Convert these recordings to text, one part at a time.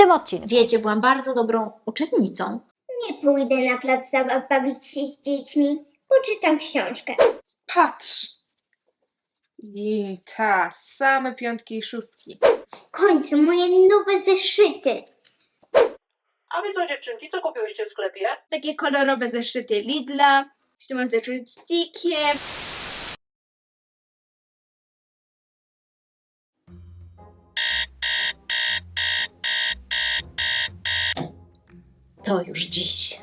tym odcinku. Wiecie, byłam bardzo dobrą uczennicą. Nie pójdę na plac zabaw bawić się z dziećmi. Poczytam książkę. Patrz! I same piątki i szóstki. W końcu moje nowe zeszyty. A wy co, dziewczynki, co kupiłyście w sklepie? Takie kolorowe zeszyty Lidla. Jeszcze mam zeszyt z dzikiem. To już dziś.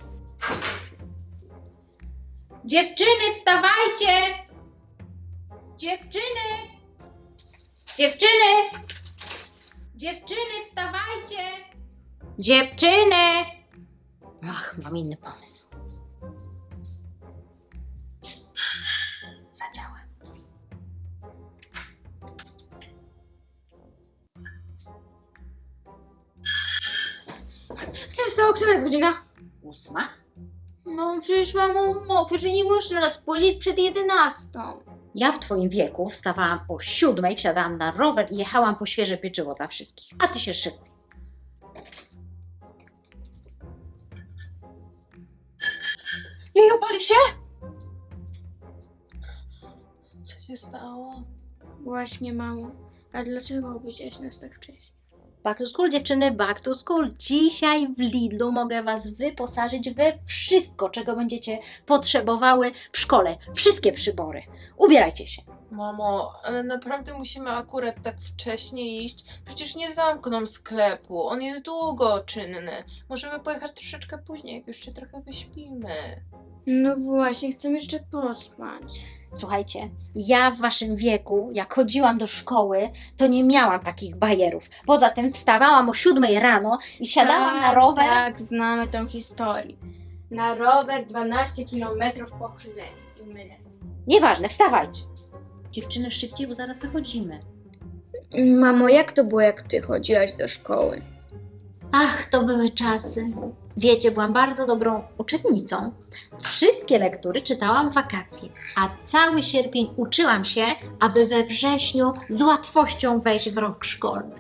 Dziewczyny, wstawajcie! Dziewczyny! Dziewczyny! Dziewczyny, wstawajcie! Dziewczyny! Ach, mam inny pomysł. Zadziała. Co się stało? Która jest godzina? 8. No przecież mamo, przecież nie można nas budzić przed 11. Ja w twoim wieku wstawałam o 7, wsiadałam na rower i jechałam po świeże pieczywo dla wszystkich. A ty się szykuj. Jej, opali się? Co się stało? Właśnie, mamo. A dlaczego obudziłaś nas tak wcześnie? Back to school, dziewczyny, back to school. Dzisiaj w Lidlu mogę was wyposażyć we wszystko, czego będziecie potrzebowały w szkole. Wszystkie przybory. Ubierajcie się. Mamo, ale naprawdę musimy akurat tak wcześnie iść? Przecież nie zamkną sklepu, on jest długo czynny. Możemy pojechać troszeczkę później, jak już się trochę wyśpimy. No właśnie, chcę jeszcze pospać. Słuchajcie, ja w waszym wieku, jak chodziłam do szkoły, to nie miałam takich bajerów. Poza tym wstawałam o 7 rano i wsiadałam na rower. Tak, znamy tą historię. Na rower 12 km po chlebie i myle. Nieważne, wstawajcie. Dziewczyny, szybciej, bo zaraz wychodzimy. Mamo, jak to było, jak ty chodziłaś do szkoły? Ach, to były czasy. Wiecie, byłam bardzo dobrą uczennicą. Wszystkie lektury czytałam w wakacje, a cały sierpień uczyłam się, aby we wrześniu z łatwością wejść w rok szkolny.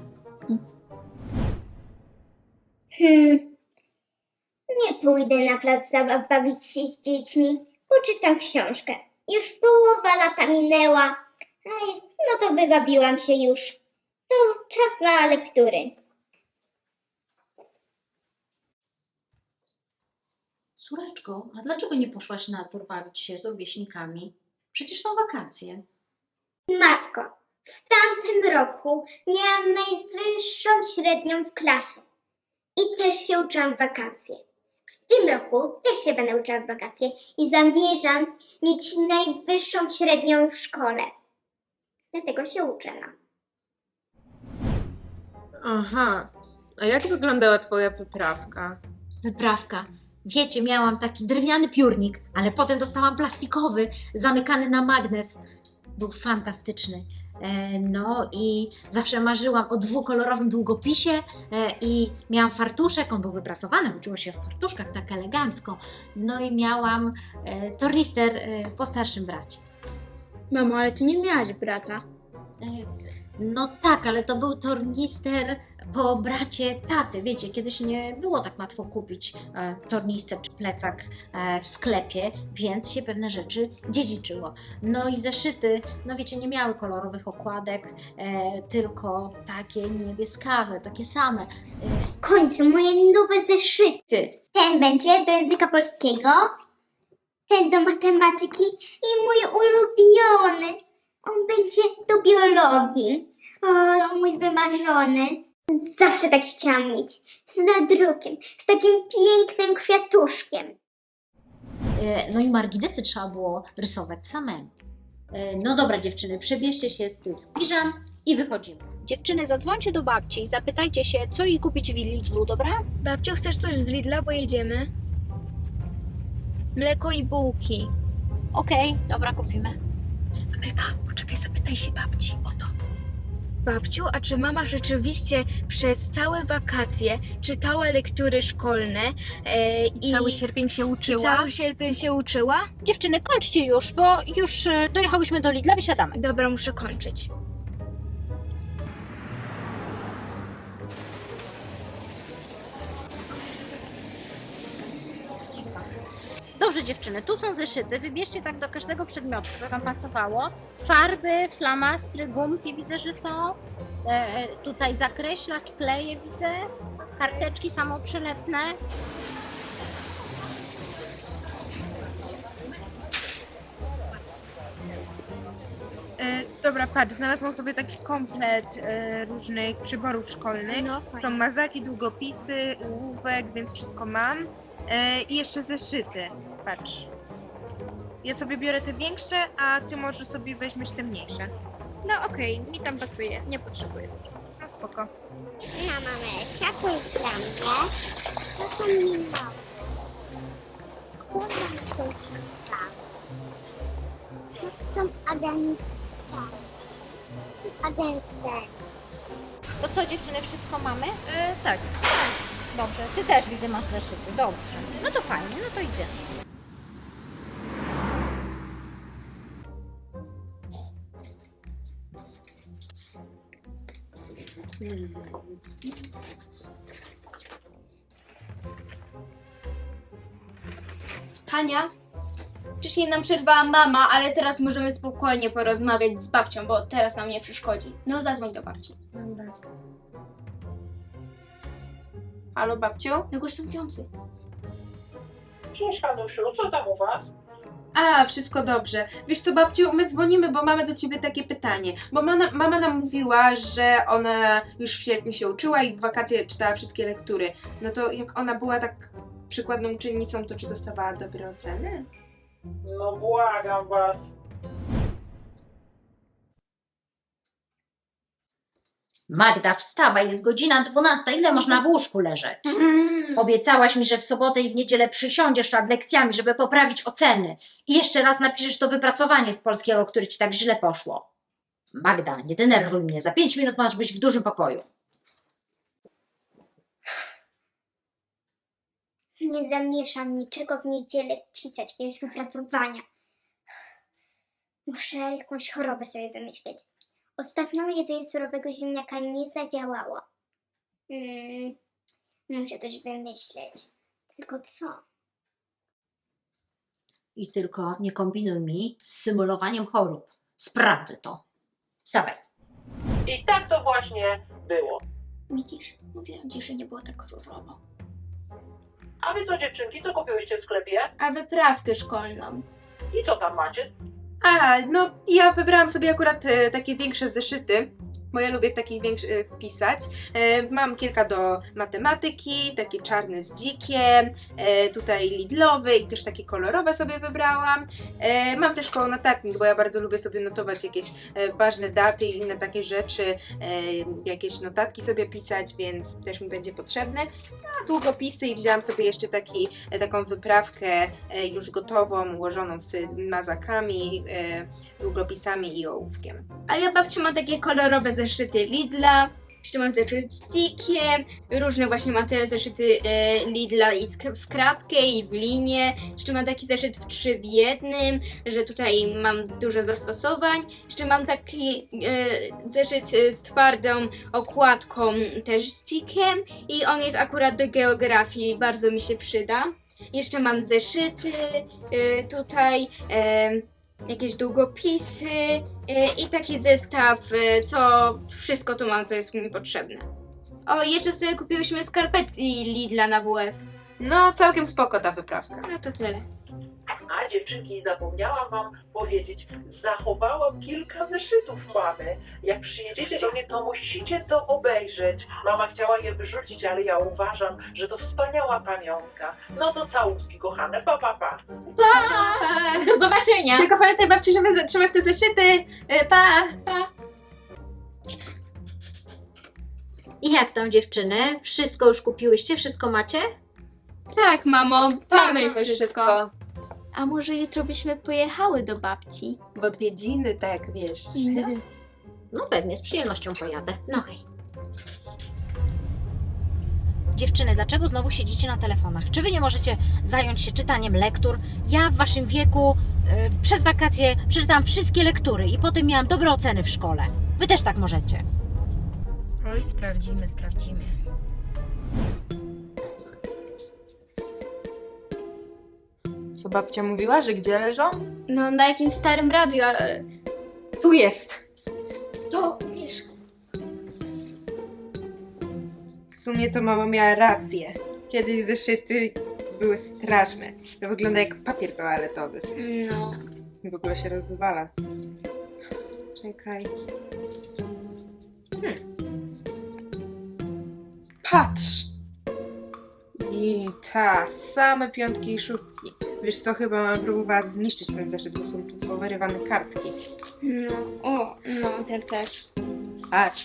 Nie pójdę na plac zabaw bawić się z dziećmi. Poczytam książkę. Już połowa lata minęła. Aj, no to wywabiłam się już. To czas na lektury. Córeczko, a dlaczego nie poszłaś na dwór bawić się z rówieśnikami? Przecież są wakacje. Matko, w tamtym roku miałam najwyższą średnią w klasie. I też się uczyłam w wakacje. W tym roku też się będę uczyła w wakacje i zamierzam mieć najwyższą średnią w szkole. Dlatego się uczę. Aha, a jak wyglądała twoja wyprawka? Wyprawka. Wiecie, miałam taki drewniany piórnik, ale potem dostałam plastikowy, zamykany na magnes. Był fantastyczny. No i zawsze marzyłam o dwukolorowym długopisie i miałam fartuszek, on był wyprasowany, uczyło się w fartuszkach tak elegancko. No i miałam tornister po starszym bracie. Mamo, ale ty nie miałaś brata. No tak, ale to był tornister po bracie taty. Wiecie, kiedyś nie było tak łatwo kupić tornister czy plecak w sklepie, więc się pewne rzeczy dziedziczyło. No i zeszyty, no wiecie, nie miały kolorowych okładek, tylko takie niebieskawe, takie same. W końcu moje nowe zeszyty. Ten będzie do języka polskiego, ten do matematyki i mój ulubiony. On będzie do biologii. O, mój wymarzony. Zawsze tak chciałam mieć. Z nadrukiem, z takim pięknym kwiatuszkiem. No i marginesy trzeba było rysować samemu. No dobra dziewczyny, przebierzcie się z tych piżam i wychodzimy. Dziewczyny, zadzwońcie do babci i zapytajcie się, co jej kupić w Lidlu, dobra? Babciu, chcesz coś z Lidla, bo jedziemy? Mleko i bułki. Okej, dobra, kupimy. Amelka, poczekaj, zapytaj się babci o to. Babciu, a czy mama rzeczywiście przez całe wakacje czytała lektury szkolne i Cały sierpień się i uczyła? cały sierpień się uczyła? Dziewczyny, kończcie już, bo już dojechałyśmy do Lidla, wysiadamy. Dobra, muszę kończyć. dobrze dziewczyny, tu są zeszyty, wybierzcie tak do każdego przedmiotu, które Wam pasowało. Farby, flamastry, gumki widzę, że są. Tutaj zakreślacz, kleje widzę. Karteczki samoprzylepne. Dobra, patrz, znalazłam sobie taki komplet różnych przyborów szkolnych. No, Są mazaki, długopisy, ołówek, więc wszystko mam. I jeszcze zeszyty, patrz. Ja sobie biorę te większe, a ty może sobie weźmiesz te mniejsze. No okej, mi tam pasuje, nie potrzebuję. No spoko. Na mamę, taką dla mnie. To są mi małe. Kładam coś tam. To są Adamsy. To co dziewczyny, wszystko mamy? Tak. Dobrze, Ty też widzę masz zeszyty, dobrze. No to fajnie, no to idziemy. Hania, wcześniej nam przerwała mama, ale teraz możemy spokojnie porozmawiać z babcią, bo teraz nam nie przeszkodzi. No zadzwoń do babci. Halo, babciu? No gościujący. Cześć, Hanusiu, co tam u was? A, wszystko dobrze. Wiesz co, babciu, my dzwonimy, bo mamy do ciebie takie pytanie. Bo mama nam mówiła, że ona już w sierpniu się uczyła i w wakacje czytała wszystkie lektury. No to jak ona była tak przykładną uczennicą, to czy dostawała dobre oceny? No błagam was. Magda, wstawaj, jest godzina 12, ile można w łóżku leżeć? Obiecałaś mi, że w sobotę i w niedzielę przysiądziesz nad lekcjami, żeby poprawić oceny. I jeszcze raz napiszesz to wypracowanie z polskiego, które ci tak źle poszło. Magda, nie denerwuj mnie, za 5 minut masz być w dużym pokoju. Nie zamierzam niczego w niedzielę pisać, jakiegoś wypracowania. Muszę jakąś chorobę sobie wymyśleć. Ostatnio jedzenie surowego ziemniaka nie zadziałało. Muszę coś wymyśleć. Tylko co? I tylko nie kombinuj mi z symulowaniem chorób. Sprawdzę to. Wstawaj. I tak to właśnie było. Widzisz, mówiłam ci, że nie było tak różowo. A wy co, dziewczynki, co kupiłyście w sklepie? A wyprawkę szkolną. I co tam macie? A, no ja wybrałam sobie akurat takie większe zeszyty, bo ja lubię w takich większych pisać. Mam kilka do matematyki, takie czarne z dzikiem, tutaj lidlowy i też takie kolorowe sobie wybrałam. Mam też koło notatnik, bo ja bardzo lubię sobie notować jakieś ważne daty i inne takie rzeczy, jakieś notatki sobie pisać, więc też mi będzie potrzebne. A długopisy i wzięłam sobie jeszcze taką wyprawkę już gotową, ułożoną z mazakami, długopisami i ołówkiem. A ja babciu ma takie kolorowe zeszyty Lidla, jeszcze mam zeszyt z dzikiem, różne właśnie mam te zeszyty Lidla i w kratkę i w linię, jeszcze mam taki zeszyt w 3 w 1, że tutaj mam dużo zastosowań, jeszcze mam taki zeszyt z twardą okładką też z dzikiem i on jest akurat do geografii, bardzo mi się przyda. Jeszcze mam zeszyty tutaj, jakieś długopisy i taki zestaw, co wszystko tu mam, co jest mi potrzebne. O, jeszcze sobie kupiłyśmy skarpetki Lidla na WF. No, całkiem spoko ta wyprawka. No to tyle. A dziewczynki, zapomniałam wam powiedzieć, zachowałam kilka zeszytów mamy. Jak przyjedziecie do mnie, to musicie to obejrzeć. Mama chciała je wyrzucić, ale ja uważam, że to wspaniała pamiątka. No to całuski, kochane, pa, pa, pa. Do zobaczenia! Tylko pamiętaj, babciu, żeby trzymać te zeszyty. Pa! I jak tam dziewczyny? Wszystko już kupiłyście? Wszystko macie? Tak, mamo, mamy już wszystko. wszystko. A może jutro byśmy pojechały do babci? W odwiedziny, tak, wiesz. No pewnie, z przyjemnością pojadę. No hej. Dziewczyny, dlaczego znowu siedzicie na telefonach? Czy wy nie możecie zająć się czytaniem lektur? Ja w waszym wieku przez wakacje przeczytałam wszystkie lektury i potem miałam dobre oceny w szkole. Wy też tak możecie. Oj, sprawdzimy. Co babcia mówiła, że gdzie leżą? No na jakimś starym radiu, ale... Tu jest! To, wiesz... W sumie to mama miała rację. Kiedyś zeszyty były straszne. To wygląda jak papier toaletowy. No... W ogóle się rozwala. Czekaj. Patrz! I same piątki i szóstki. Wiesz co, chyba mam próbowała zniszczyć ten zeszyt, bo są tu powyrywane kartki. No, no, ten też. Patrz.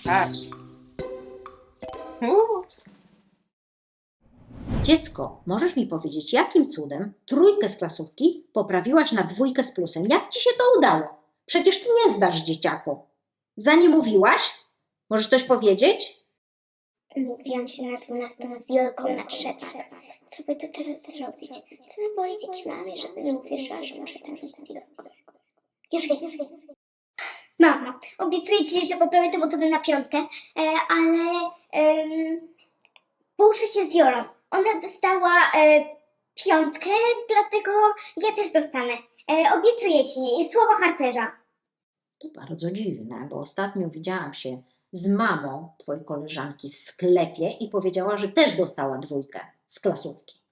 Dziecko, możesz mi powiedzieć, jakim cudem 3 z klasówki poprawiłaś na 2 z plusem? Jak ci się to udało? Przecież ty nie zdasz, dzieciaku. Za nie mówiłaś? Możesz coś powiedzieć? Mówiłam się na 12 z Jolką na trzepach. Co by tu teraz zrobić? Co by powiedzieć mamie, żeby nie uwierzyła, że muszę tam iść z Jolką? Już wiem. Mamo, obiecuję ci, że poprawię tę metodę na 5, ale pouczę się z Jolą. Ona dostała 5, dlatego ja też dostanę. Obiecuję ci, słowo harcerza. To bardzo dziwne, bo ostatnio widziałam się z mamą twojej koleżanki w sklepie i powiedziała, że też dostała 2 z klasówki.